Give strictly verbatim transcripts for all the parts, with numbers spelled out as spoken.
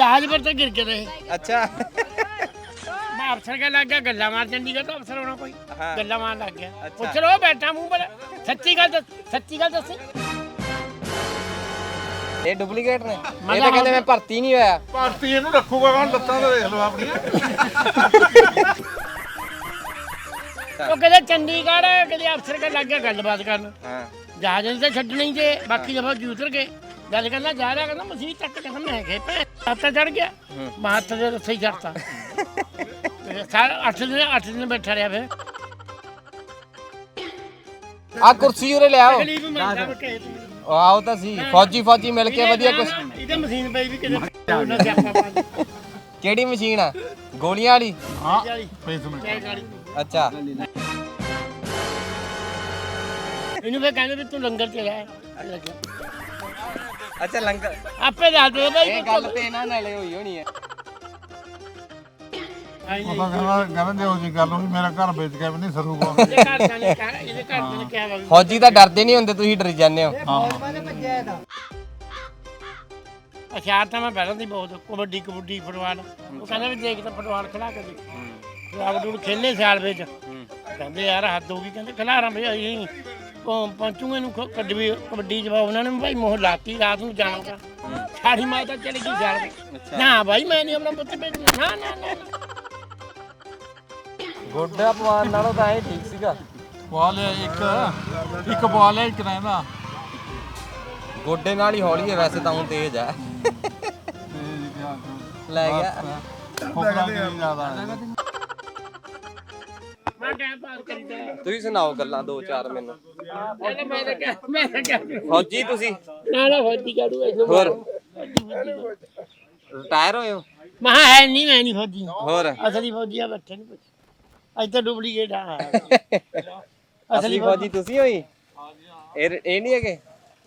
जहाज पर तो गिर के रहे। अच्छा मैं अफसर के लग गया गल्ला मार, चंडीगढ़ तो अफसर होना कोई हाँ। गल्ला मार लग गया। अच्छा। पूछ लो बैठा मुंह पर, सच्ची गल दस, सच्ची गल दसी। ये डुप्लीकेट ने मैं ये तो कहते मैं भर्ती नहीं होया ਭਾਰਤੀ ਇਹਨੂੰ ਰੱਖੂਗਾ ਕੌਣ? ਲੱਤਾਂ ਤਾਂ ਦੇਖ ਲਓ ਆਪਣੀਆਂ। वो कहते चंडीगढ़ कहते अफसर के लग गया गलबात करन। हाँ जहाज ने तो छड्डना ही जे, बाकी दफा जी उतर गए। गल करना जा रहा कहना मसीह तक कहना मैं गए हत्थ चढ़ गया, मैं हत्थ दे रस्से ही चढ़ता। सारा अठ दिन अठ दिन बैठा रहा फिर। आ कुर्सी उरे ले आओ तकलीफ मिलता वा ਕਿਸੇ ਤੋਂ। आओ तो सी फौजी फौजी मिल के वधिया कुछ ਇਹਦੇ ਮਸ਼ੀਨ ਪਈ ਵੀ ਕਿਤੇ ਉਹਨਾਂ ਦੇ ਆਪਾਂ ਪਾ केड़ी मशीन है गोलियां वाली ਹਾਂ ਦੇ ਪੇਸਮੈਂਟ ਚਾਹ ਗਾੜੀ। अच्छा ਇਹਨੂੰ ਫੇ ਕਹਿੰਦੇ ਵੀ ਤੂੰ ਲੰਗਰ ਚ ਰਹਿ ਲੱਗਿਆ। अच्छा लंगर ਆਪੇ ਦੱਸ ਦੇ ਬਾਈ। ये गल ते इन्हां नाले होई होनी है ਉਹ ਤਾਂ ਕਹਿੰਦਾ ਕਹਿੰਦੇ ਉਹ ਜੀ ਗੱਲ ਹੋਈ ਮੇਰਾ ਘਰ ਵੇਚ ਕੇ ਵੀ ਨਹੀਂ ਸਰੂਗਾ। ਇਹਦੇ ਘਰ ਦਾ ਨੇ ਕਿਹਾ, ਇਹਦੇ ਘਰ ਦੇ ਨੇ ਕਿਹਾ ਵਾ ਵੀ फौजी तो डरते नहीं होंगे तुम डरी जाने हो ਹਥਿਆਰ ਤਾਂ ਮੈਂ ਪਹਿਲਾਂ ਦੀ ਬਹੁਤ ਕਬੱਡੀ ਕਬੱਡੀ ਫੁੱਟਬਾਲ। ਉਹ ਕਹਿੰਦਾ ਵੀ ਦੇਖ ਤਾਂ ਫੁੱਟਬਾਲ ਖਿਲਾ ਕੇ ਦੇਖ। ਖਿਲਾਫ ਡੂੜ ਖੇਲੇ ਸਿਆਲ ਵਿੱਚ ਕਹਿੰਦੇ ਯਾਰ ਹੱਦ ਹੋ ਗਈ, ਕਹਿੰਦੇ ਖਿਲਾਰਾਂ ਵੀ ਅਸੀਂ ਪਹੁੰਚੂਗੇ ਨੂੰ ਕਬੱਡੀ ਕਬੱਡੀ ਜਵਾ ਉਹਨਾਂ ਨੇ ਭਾਈ ਮੋਹ ਲਾਤੀ ਰਾਤ ਨੂੰ ਜਾਣਾਗਾ। ਸਾਡੀ ਮਾਂ ਤਾਂ ਚਲੀ ਗਈ ਸਿਆਲ ਵਿੱਚ। ਨਾ ਭਾਈ ਮੈਂ ਨਹੀਂ ਆਪਣਾ ਪੁੱਤ ਭੇਜਣਾ, ਨਾ ਨਾ ਨਾ ਗੋਡਾ ਪਵਾਨ ਨਾਲੋਂ ਤਾਂ ਇਹ ਠੀਕ ਸੀਗਾ ਪਵਾ ਲਿਆ ਇੱਕ ਇੱਕ ਪਵਾ ਲਿਆ ਇੱਕ ਰਹਿੰਦਾ ਗੋਡੇ ਨਾਲ ਹੀ ਹੌਲੀ ਹੈ ਵੈਸੇ ਤਾਂ ਹੁਣ ਤੇਜ਼ ਹੈ ਲੈ ਗਿਆ ਫੋਕਰਾ ਨਹੀਂ ਜ਼ਿਆਦਾ ਹੈ। ਮੈਂ ਟਾਈਮ ਪਾਸ ਕਰੀਦਾ। ਤੁਸੀਂ ਸੁਣਾਓ ਗੱਲਾਂ ਦੋ ਚਾਰ ਮੈਨੂੰ ਪਹਿਲਾਂ ਮੈਂ ਤਾਂ ਕਿਹਾ ਮੈਂ ਤਾਂ ਕਿਹਾ ਫੌਜੀ ਤੁਸੀਂ ਨਾ ਨਾ ਫੌਜੀ ਕਾੜੂ ਐਸੋ ਹੋਰ ਰਿਟਾਇਰ ਹੋਏ ਹੋ ਮਹਾ ਹੈ ਨਹੀਂ, ਮੈਂ ਨਹੀਂ ਫੌਜੀ, ਹੋਰ ਅਸਲੀ ਫੌਜੀ ਆ ਬੱਠੇ ਨਹੀਂ ਪੁੱਛ। ਅੱਜ ਤਾਂ ਡੁਪਲੀਕੇਟ ਆ। ਅਸਲੀ ਫੌਜੀ ਤੁਸੀਂ ਹੋਈ ਇਹ ਇਹ ਨਹੀਂ ਹੈਗੇ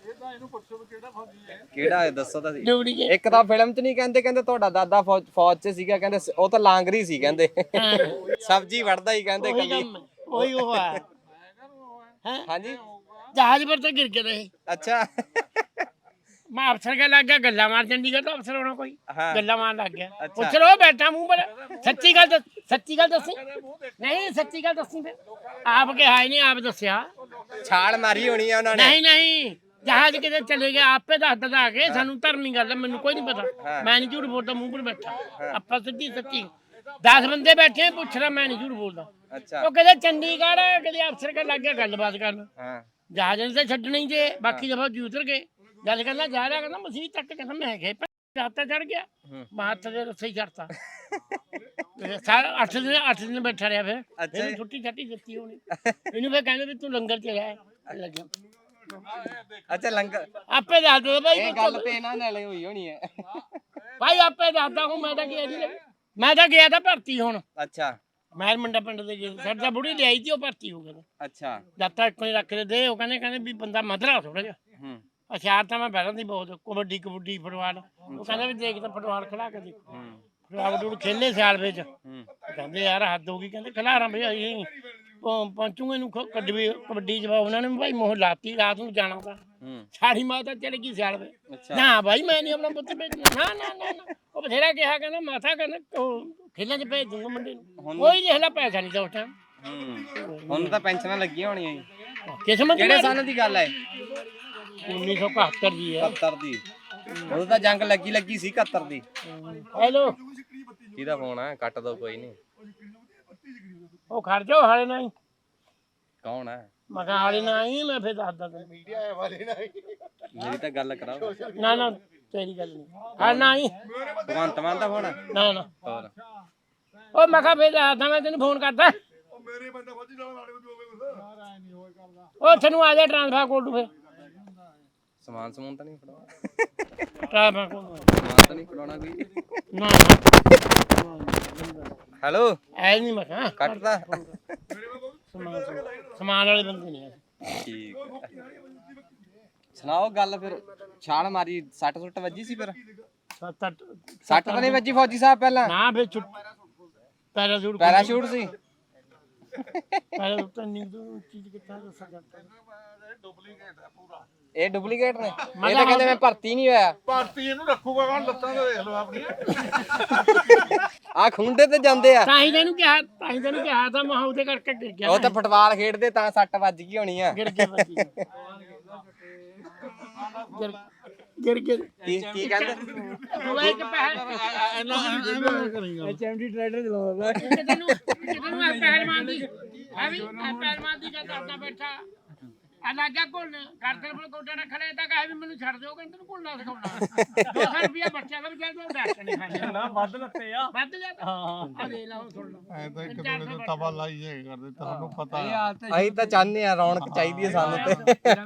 ਕਿਹੜਾ ਹੈ ਦੱਸੋ ਤਾਂ ਸਹੀ। ਡੁਪਲੀਕੇਟ ਇੱਕ ਤਾਂ ਫਿਲਮ 'ਚ ਨਹੀਂ ਕਹਿੰਦੇ ਕਹਿੰਦੇ ਤੁਹਾਡਾ ਦਾਦਾ ਫੌਜ ਫੌਜ 'ਚ ਸੀਗਾ, ਕਹਿੰਦੇ ਉਹ ਤਾਂ ਲਾਂਗਰੀ ਸੀ ਕਹਿੰਦੇ ਸਬਜ਼ੀ ਵੜਦਾ ਹੀ ਕਹਿੰਦੇ ਉਹੀ ਕੱਲੀ ਕੰਮ ਹੈ, ਉਹੀ ਉਹ ਹੈ। हैं ਹਾਂਜੀ जहाज पर तो गिर के रहे। अच्छा मैं अफसर के लग गया गल्ला मार, चंडीगढ़ तो अफसर होना कोई हाँ। गल्ला मार लग गया। अच्छा। पूछ लो बैठा मुंह पर, सच्ची गल दस, सच्ची गल दसी। नहीं सच्ची गल दसी फिर आप के हाय नहीं आप दसिया ਛਾਲ ਮਾਰੀ ਹੋਣੀ ਹੈ ਉਹਨਾਂ ਨੇ नहीं नहीं जहाज किते चले गए आपे दस दस के सानू धर्मी गल है, मैनू कोई नहीं पता। मैं नहीं झूठ बोलता मुंह पर बैठा, आपा सीधी सच्ची दस बंदे बैठे हैं, पूछ रहा मैं नहीं झूठ बोलता। अच्छा वो कहते चंडीगढ़ कहते अफसर के लग गया गलबात करन। हाँ जहाज ने तो छड्डना ही जे, बाकी दफा जी उतर गए। गल करना जा रहा कहना मसीह तक कहना मैं गए हत्थ चढ़ गया, मैं हत्थ दे रस्से ही चढ़ता। सारा अठ दिन अठ दिन बैठा रहा फिर। अच्छा फिर जी। छुट्टी छाटी दिती होनी इन्हू फिर कहंदे भी तू लंगर च रह लग्या। अच्छा लंगर आपे दस दो भाई, ਇਹ ਗੱਲ ਤੇ ਇਹਨਾਂ ਨਾਲੇ ਹੋਈ ਹੋਣੀ ਹੈ भाई आपे दसदा हूं मैं तो गया नहीं, मैं तो गया था भर्ती हुण अच्छा मैं मंडा पिंड दे गए साडा बुढ़ी ले आई थी, वो भर्ती हो गया अच्छा जब तक कोई रख दे दे। वो कहने कहने भी बंदा मधरा थोड़ा जिहा हम्म हथियार तो मैं पहले ही बहुत कबड्डी कबड्डी फुटबाल। वो कहते भी देख तो फुटबाल खिला के देख। हम्म फुटबाल डूड़ खेले सियाल ਵਿੱਚ हम्म ਕਹਿੰਦੇ ਯਾਰ ਹੱਦ ਹੋ ਗਈ, ਕਹਿੰਦੇ ਖਿਲਾਰਾਂ ਵੀ ਅਸੀਂ ਪਹੁੰਚੂਗੇ ਨੂੰ ਕਬੱਡੀ ਕਬੱਡੀ ਜਵਾ ਉਹਨਾਂ ਨੇ ਭਾਈ ਮੋਹ ਲਾਤੀ ਰਾਤ ਨੂੰ ਜਾਣਾ ਤਾਂ। हम्म ਸਾਡੀ ਮਾਂ ਤਾਂ ਚਲ ਗਈ ਸਿਆਲ ਵਿੱਚ। अच्छा ਨਾ ਭਾਈ ਮੈਂ ਨਹੀਂ ਆਪਣਾ ਪੁੱਤ ਭੇਜਣਾ, ਨਾ ਨਾ ਨਾ ਨਾ। ਉਹ ਬਥੇਰਾ ਕਿਹਾ ਕਹਿੰਦਾ ਮਾਥਾ ਕਹਿੰਦਾ ਖੇਲਾਂ 'ਚ ਭੇਜ ਦੂੰਗਾ ਮੁੰਡੇ ਨੂੰ, ਕੋਈ ਦੇਖ ਲੈ ਪੈਸਾ ਨਹੀਂ ਤਾਂ ਉਸ ਟਾਈਮ हम्म ਹੁਣ ਤਾਂ ਪੈਨਸ਼ਨਾਂ ਲੱਗੀਆਂ ਹੋਣੀਆਂ ਜੀ ਕਿਸਮਤ ਕਿਹੜੇ ਸਾਲ ਦੀ ਗੱਲ ਹੈ ਉੱਨੀ ਸੌ ਇਕਹੱਤਰ ਦੀ ਹੈ। ਇਕਹੱਤਰ ਦੀ ਉਦੋਂ ਤਾਂ ਜੰਗ ਲੱਗੀ ਲੱਗੀ ਸੀ ਇਕਹੱਤਰ ਦੀ ਹੈਲੋ ਕਿਹਦਾ ਫੋਨ ਹੈ ਕੱਟ ਦੋ ਕੋਈ ਨਹੀਂ ਉਹ ਖੜ ਜਾਓ ਹਾਲੇ ਨਹੀਂ, ਕੌਣ ਹੈ ਮੈਂ ਕਿਹਾ ਹਾਲੇ ਨਹੀਂ, ਮੈਂ ਫਿਰ ਦੱਸਦਾ ਤੈਨੂੰ। ਮੇਰੀ ਤਾਂ ਗੱਲ ਕਰਾਓ ਨਾ ਨਾ ਤੇਰੀ ਗੱਲ ਨਹੀਂ ਹਾਂ ਨਹੀਂ ਭਗਵੰਤ ਮਾਨ ਦਾ ਫੋਨ ਹੈ ਨਾ ਨਾ ਹੋਰ ਉਹ ਮੈਂ ਕਿਹਾ ਫਿਰ ਦੱਸਦਾ ਮੈਂ ਤੈਨੂੰ ਫੋਨ ਕਰਦਾ। ਉਹ ਤੈਨੂੰ ਆ ਜਾ ਟ੍ਰਾਂਸਫਰ ਕੋਲ ਤੋਂ ਫਿਰ ਸਮਾਨ ਸਮੂਨ ਤਾਂ ਨਹੀਂ ਫੜਾਉਣਾ ਟ੍ਰਾਂਸਫਰ ਕੋਲ ਸਮਾਨ ਤਾਂ ਨਹੀਂ ਫੜਾਉਣਾ ਕੋਈ ਨਾ ਹੈਲੋ ਐ ਨਹੀਂ ਮੈਂ ਕਿਹਾ ਕੱਟਦਾ ਸਮਾਨ ਸਮਾਨ ਵਾਲੇ ਬੰਦੇ ਨਹੀਂ ਆ। ਠੀਕ ਹੈ। ਸੁਣਾਓ ਗੱਲ ਫਿਰ ਛਾਲ ਮਾਰੀ ਸੱਟ ਸੁੱਟ ਵੱਜੀ ਸੀ ਫਿਰ ਸੱਤ ਅੱਠ ਸੱਟ ਤਾਂ ਨਹੀਂ ਵੱਜੀ ਫੌਜੀ ਸਾਹਿਬ ਪਹਿਲਾਂ ਨਾ ਫਿਰ ਛੁੱਟ ਪੈਰਾਸ਼ੂਟ ਪੈਰਾਸ਼ੂਟ ਸੀ ਪੈਰਾਸ਼ੂਟ ਨਹੀਂ ਤੋਂ ਚੀਜ਼ ਕਿੱਥਾ ਦੱਸ ਜਾਂਦਾ ਡੁਪਲੀਕੇਟ ਹੈ ਪੂਰਾ। ਇਹ ਡੁਪਲੀਕੇਟ ਨੇ ਇਹ ਤਾਂ ਕਹਿੰਦੇ ਮੈਂ ਭਰਤੀ ਨਹੀਂ ਹੋਇਆ ਭਾਰਤੀ ਇਹਨੂੰ ਰੱਖੂਗਾ ਕੌਣ ਲੱਤਾਂ ਤੇ ਦੇਖ ਲਓ ਆਪਣੀਆਂ ਆ ਖੁੰਡੇ ਤੇ ਜਾਂਦੇ ਆ ਤਾਂ ਹੀ ਤੈਨੂੰ ਕਿਹਾ ਤਾਂ ਹੀ ਤੈਨੂੰ ਕਿਹਾ ਤਾਂ ਮਹਾ ਉਹਦੇ ਕਰਕੇ ਗਿਰ ਗਿਆ ਉਹ ਤਾਂ ਫੁੱਟਬਾਲ ਖੇਡਦੇ ਤਾਂ ਸੱਟ ਵੱਜ ਗਈ ਹੋਣੀ ਆ ਗਿਰ ਗਿਆ ਬੱਜੀ ਗਿਰ ਗਿਰ ਗਿਆ ਕੀ ਕੀ ਕਹਿੰਦੇ ਉਹ ਇੱਕ ਪਹਿਲ ਐਚਐਮਡੀ ਟਰੈਕਟਰ ਚਲਾਉਂਦਾ ਕਿਤੇ ਤੈਨੂੰ ਕਿਤੇ ਨੂੰ ਪਹਿਲਵਾਨ ਦੀ ਆ ਵੀ ਪਹਿਲਵਾਨ ਦੀ ਗੱਲ ਕਰਦਾ ਬੈਠਾ ਆ ਲਾਜਾ ਕੋਲ ਕਰਦੇ ਕੋਲ ਕੋਟਾ ਨਾ ਖੜੇ ਤਾਂ ਕਹੇ ਵੀ ਮੈਨੂੰ ਛੱਡ ਦਿਓ ਕਹਿੰਦੇ ਤੈਨੂੰ ਕੋਲ ਨਾ ਸਿਖਾਉਣਾ ਦੋ ਸੌ ਰੁਪਇਆ ਬੱਚਿਆਂ ਦਾ ਵੀ ਚੱਲ ਤੂੰ ਦੱਸ ਨਹੀਂ ਖਾਂਦਾ ਨਾ ਵੱਧ ਲੱਤੇ ਆ ਵੱਧ ਜਾ ਹਾਂ ਆ ਦੇ ਲਾ ਉਹ ਸੁਣ ਲਾ ਐ ਤਾਂ ਇੱਕ ਦੂਜੇ ਦੇ ਤਵਾ ਲਾਈ ਜਾਏ ਕਰਦੇ ਤੁਹਾਨੂੰ ਪਤਾ ਆ ਅਸੀਂ ਤਾਂ ਚਾਹੁੰਦੇ ਆ ਰੌਣਕ ਚਾਹੀਦੀ ਹੈ ਸਾਨੂੰ ਤੇ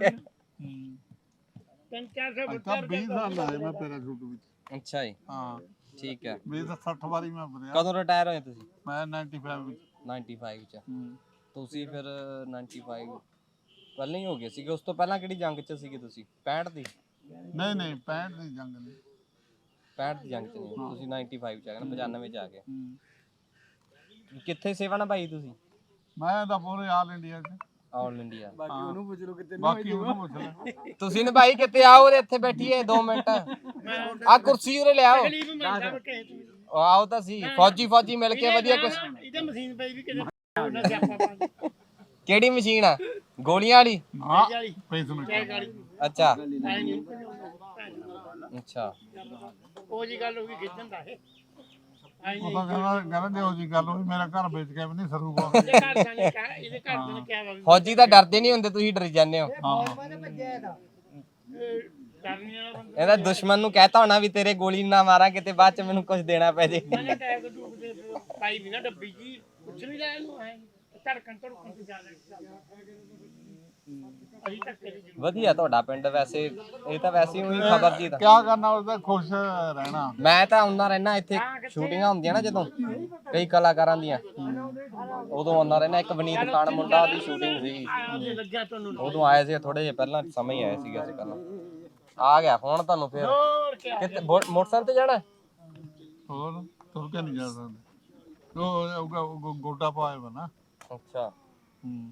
ਤਿੰਨ ਚਾਰ ਸੌ ਅੱਜ ਤਾਂ ਵੀਹ ਸਾਲ ਲਾਏ ਮੈਂ ਪੈਰਾਸ਼ੂਟ ਵਿੱਚ ਅੱਛਾ ਜੀ ਹਾਂ ਠੀਕ ਹੈ ਵੀਹ ਤਾਂ ਸੱਠ ਵਾਰੀ ਮੈਂ ਭਰਿਆ ਕਦੋਂ ਰਿਟਾਇਰ ਹੋਏ ਤੁਸੀਂ ਮੈਂ ਪਚਾਨਵੇਂ ਵਿੱਚ ਪਚਾਨਵੇਂ ਚ ਹੂੰ। ਤੁਸੀਂ ਫਿਰ ਪਚਾਨਵੇਂ ਪਹਿਲਾਂ ਹੀ ਹੋ ਗਏ ਸੀਗੇ ਉਸ ਤੋਂ ਪਹਿਲਾਂ ਕਿਹੜੀ ਜੰਗ ਚ ਸੀਗੇ ਤੁਸੀਂ ਪੈਂਹਠ ਦੀ ਨਹੀਂ ਨਹੀਂ ਪੈਂਹਠ ਦੀ ਜੰਗ ਨਹੀਂ ਪੈਂਹਠ ਦੀ ਜੰਗ ਚ ਨਹੀਂ ਤੁਸੀਂ ਪਚਾਨਵੇਂ ਚ ਆ ਗਏ ਨਾ ਪਚਾਨਵੇਂ ਚ ਆ ਗਏ ਹੂੰ। ਕਿੱਥੇ ਸੇਵਾ ਨਿਭਾਈ ਤੁਸੀਂ ਮੈਂ ਤਾਂ ਪੂਰੇ ਆਲ ਇੰਡੀਆ ਚ ਆਲ ਇੰਡੀਆ ਬਾਕੀ ਉਹਨੂੰ ਪੁੱਛ ਲਓ ਕਿਤੇ ਬਾਕੀ ਉਹਨੂੰ ਪੁੱਛ ਲੈ ਤੁਸੀਂ ਨਿਭਾਈ ਕਿੱਥੇ ਆਓ ਉਹਦੇ ਇੱਥੇ ਬੈਠੀਏ ਦੋ ਮਿੰਟ ਆ ਕੁਰਸੀ ਉਰੇ ਲਿਆਓ ਤਕਲੀਫ ਮੰਨਦਾ ਮੈਂ ਕਹੇ ਤੂੰ ਉਹ ਆਓ ਤਾਂ ਸੀ ਫੌਜੀ ਫੌਜੀ ਮਿਲ ਕੇ ਵਧੀਆ ਕੁਛ ਇਹਦੇ ਮਸ਼ੀਨ ਪਈ ਵੀ ਕਿਤੇ ਉਹਨਾਂ ਦੇ ਆਪਾਂ ਕਿਹੜੀ ਮਸ਼ੀਨ ਆ ਗੋਲੀਆਂ ਵਾਲੀ ਹਾਂ ਵਾਲੀ ਪੈਸੇ ਨੂੰ ਚੈੱਕ ਵਾਲੀ ਅੱਛਾ ਐ ਨਹੀਂ ਅੱਛਾ ਉਹ ਜੀ ਗੱਲ ਹੋ ਗਈ ਖਿੱਚਣ ਦਾ ਇਹ ਆਈ ਉਹ ਤਾਂ ਕਹਿੰਦਾ ਕਹਿੰਦੇ ਉਹ ਜੀ ਗੱਲ ਹੋਈ ਮੇਰਾ ਘਰ ਵੇਚ ਕੇ ਵੀ ਨਹੀਂ ਸਰੂਗਾ ਇਹਦੇ ਘਰ ਦਾ ਨੇ ਕਿਹਾ ਇਹਦੇ ਘਰ ਦੇ ਨੇ ਕਿਹਾ ਵਾ ਵੀ ਫੌਜੀ ਤਾਂ ਡਰਦੇ ਨਹੀਂ ਹੁੰਦੇ ਤੁਸੀਂ ਡਰ ਜਾਂਦੇ ਹੋ ਹਾਂ ਇਹ ਕਰਨੀ ਵਾਲਾ ਬੰਦਾ ਇਹਦਾ ਦੁਸ਼ਮਣ ਨੂੰ ਕਹਿਤਾ ਹੋਣਾ ਵੀ ਤੇਰੇ ਗੋਲੀ ਨਾ ਮਾਰਾਂ ਕਿਤੇ ਬਾਅਦ ਚ ਮੈਨੂੰ ਕੁਝ ਦੇਣਾ ਪੈ ਜੇ ਮੈਂ ਟੈਗ ਡੂਬਦੇ ਪਾਈ ਵੀ ਨਾ ਡੱਬੀ ਜੀ ਕੁਛ ਨਹੀਂ ਲੈ ਇਹਨੂੰ ਐ ਧੜਕਣ ਧੜਕਣ ਤੇ ਜਾ ਰਿਹਾ ਅਜੀ ਤੱਕ ਤੇਰੀ ਜ਼ਰੂਰਤ ਵਧੀਆ ਤੁਹਾਡਾ ਪਿੰਡ ਵੈਸੇ ਇਹ ਤਾਂ ਵੈਸੇ ਹੀ ਉਹੀ ਖਬਰ ਜੀ ਦਾ ਕਿਆ ਕਰਨਾ ਉਹਦਾ ਖੁਸ਼ ਰਹਿਣਾ ਮੈਂ ਤਾਂ ਆਉਂਦਾ ਰਹਿਣਾ ਇੱਥੇ ਸ਼ੂਟਿੰਗਾਂ ਹੁੰਦੀਆਂ ਨਾ ਜਦੋਂ ਕਈ ਕਲਾਕਾਰਾਂ ਦੀਆਂ ਉਦੋਂ ਆਉਂਦਾ ਰਹਿਣਾ ਇੱਕ ਵਨੀਤ ਖਾਨ ਮੁੰਡਾ ਉਹਦੀ ਸ਼ੂਟਿੰਗ ਸੀ ਆਉਂਦੇ ਲੱਗਿਆ ਤੁਹਾਨੂੰ ਉਦੋਂ ਆਏ ਸੀ ਥੋੜੇ ਜਿਹਾ ਪਹਿਲਾਂ ਸਮੇਂ ਹੀ ਆਏ ਸੀਗੇ ਅਸੀਂ ਪਹਿਲਾਂ ਆ ਗਿਆ ਫੋਨ ਤੁਹਾਨੂੰ ਫਿਰ ਹੋਰ ਕੀ ਕਿਤੇ ਮੋ- ਮੋਟਰਸਾਈਕਲ ਤੇ ਜਾਣਾ ਹੋਰ ਤੁਰ ਕੇ ਨਹੀਂ ਜਾ ਸਕਦੇ ਉਹ ਉਹ- ਉਹ ਗੋਟਾ ਪਾਏ ਵਾ ਨਾ ਅੱਛਾ ਹੂੰ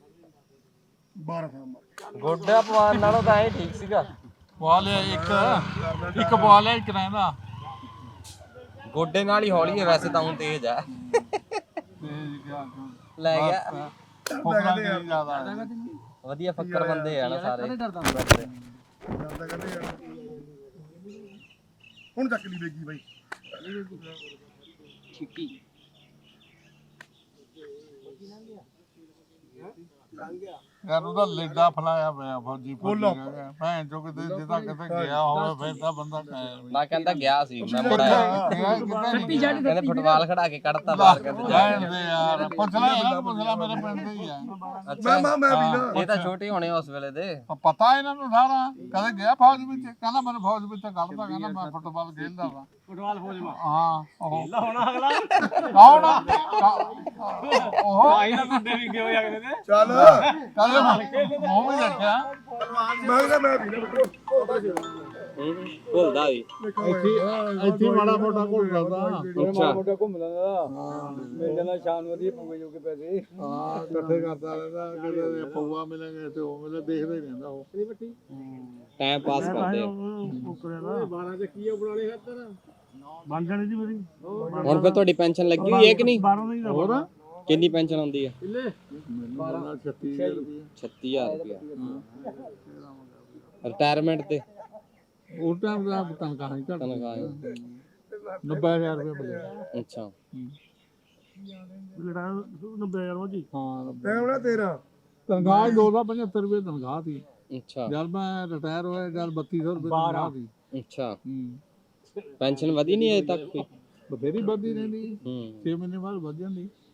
ਗੋਡਾ ਪਵਾਨ ਨਾਲੋਂ ਤਾਂ ਐ ਠੀਕ ਸੀਗਾ ਪਵਾ ਲਿਆ ਇੱਕ ਇੱਕ ਪਵਾ ਲਿਆ ਇੱਕ ਰਹਿੰਦਾ ਗੋਡੇ ਨਾਲ ਹੀ ਹੌਲੀ ਹੈ ਵੈਸੇ ਤਾਂ ਉਹ ਤੇਜ਼ ਆ ਤੇ ਕਿਆ ਲੈ ਗਿਆ ਫੋਕਰਾ ਨਹੀਂ ਜ਼ਿਆਦਾ ਵਧੀਆ ਫੱਕਰ ਬੰਦੇ ਆ ਨਾ ਸਾਰੇ ਹੁਣ ਚੱਕ ਲਈ ਬੇਗੀ ਬਾਈ ਯਾਰ ਉਹਦਾ ਲੇਡਾ ਫਲਾਇਆ ਪਿਆ ਫੌਜੀ ਫੌਜੀ ਭੈਣ ਚੋ ਕਿਤੇ ਜਿੱਦਾਂ ਕਿਤੇ ਗਿਆ ਹੋਵੇ ਫਿਰ ਤਾਂ ਬੰਦਾ ਕਹੇ ਮੈਂ ਕਹਿੰਦਾ ਗਿਆ ਸੀ ਮੈਂ ਮੁੜਿਆ ਕਹਿੰਦੇ ਫੁੱਟਬਾਲ ਖੜਾ ਕੇ ਕੱਢਤਾ ਬਾਹਰ ਕਹਿੰਦੇ ਜਾ ਭੈਣ ਦੇ ਯਾਰ ਪੁੱਛ ਲੈ ਇਹਨਾਂ ਪੁੱਛ ਲੈ ਮੇਰੇ ਪਿੰਡ ਦੇ ਹੀ ਆ ਅੱਛਾ ਮੈਂ ਮੈਂ ਵੀ ਇਹ ਤਾਂ ਛੋਟੇ ਹੋਣੇ ਉਸ ਵੇਲੇ ਦੇ ਪਤਾ ਇਹਨਾਂ ਨੂੰ ਸਾਰਾ ਕਦੇ ਗਿਆ ਫੌਜ ਵਿੱਚ ਕਹਿੰਦਾ ਮੈਨੂੰ ਫੌਜ ਵਿੱਚ ਕੱਢਦਾ ਕਹਿੰਦਾ ਮੈਂ ਫੁੱਟਬਾਲ ਖੇਡਦਾ ਵਾ ਫੁੱਟਬਾਲ ਫੌਜ ਮਾ ਹਾਂ ਉਹ ਲਾ ਹੋਣਾ ਅਗਲਾ ਕੌਣ ਉਹ ਆਈ ਨਾ ਮੁੰਡੇ ਵੀ ਗਿਓ ਅਗਲੇ ਨੇ ਚੱਲ ਕਦੇ ਮੂੰਹ ਵੀ ਰੱਖਿਆ ਭੁੱਲਦਾ ਵੀ ਇੱਥੇ ਇੱਥੇ ਮਾੜਾ ਮੋਟਾ ਘੁੰਮ ਜਾਂਦਾ ਅੱਛਾ ਘੁੰਮ ਲੈਂਦਾ ਮੈਂ ਕਹਿੰਦਾ ਸ਼ਾਮ ਨੂੰ ਵਧੀਆ ਪੂਗੇ ਜੋ ਕੇ ਪੈਸੇ ਹਾਂ ਇਕੱਠੇ ਕਰਦਾ ਰਹਿੰਦਾ ਕਦੇ ਪਊਆ ਮਿਲੇਗਾ ਤੇ ਉਹ ਮਿਲੇ ਦੇਖਦਾ ਹੀ ਰਹਿੰਦਾ ਉਹ ਟਾਈਮ ਪਾਸ ਕਰਦੇ ਆ ਬਾਰਾਂ ਚ ਕੀ ਬਣਾ ਲਿਆ ਤੇਰਾ ਬਣ ਜਾਣੀ ਜੀ ਮੇਰੀ ਹੁਣ ਫਿਰ ਤੁਹਾਡੀ ਪੈਨਸ਼ਨ ਲੱਗੀ ਹੋਈ ਹੈ ਕਿ ਨਹੀਂ ਬਾਰਾਂ ਨਹੀਂ ਹੋਰ ਕਿੰਨੀ ਪੈਨਸ਼ਨ ਆਉਂਦੀ ਹੈ ਮੈਨੂੰ ਛੱਤੀ ਹਜ਼ਾਰ ਰੁਪਏ ਛੱਤੀ ਹਜ਼ਾਰ ਰੁਪਇਆ ਰਿਟਾਇਰਮੈਂਟ ਤੇ ਉਸ ਟਾਈਮ ਦਾ ਤਨਖਾਹ ਹੀ ਘੱਟ ਤਨਖਾਹ ਹੈ। ਨੱਬੇ ਹਜ਼ਾਰ ਰੁਪਏ ਮਿਲਿਆ ਅੱਛਾ ਜਿਹੜਾ ਨੱਬੇ ਹਜ਼ਾਰ ਜੀ ਹਾਂ ਟਾਈਮ ਨਾ ਤੇਰਾ ਤਨਖਾਹ ਦੋ ਸੌ ਪਝੱਤਰ ਰੁਪਏ ਤਨਖਾਹ ਸੀ ਅੱਛਾ ਜਦ ਮੈਂ ਰਿਟਾਇਰ ਹੋਇਆ ਜਦ ਬੱਤੀ ਸੌ ਰੁਪਏ ਤਨਖਾਹ ਸੀ ਅੱਛਾ ਹੂੰ ਪੈਨਸ਼ਨ ਵਧੀ ਨਹੀਂ ਅਜੇ ਤੱਕ ਕੋਈ ਬਥੇਰੀ ਵੱਧਦੀ ਰਹਿੰਦੀ ਹੂੰ ਛੇ ਮਹੀਨੇ ਬਾਅਦ ਵੱਧ ਜਾਂਦੀ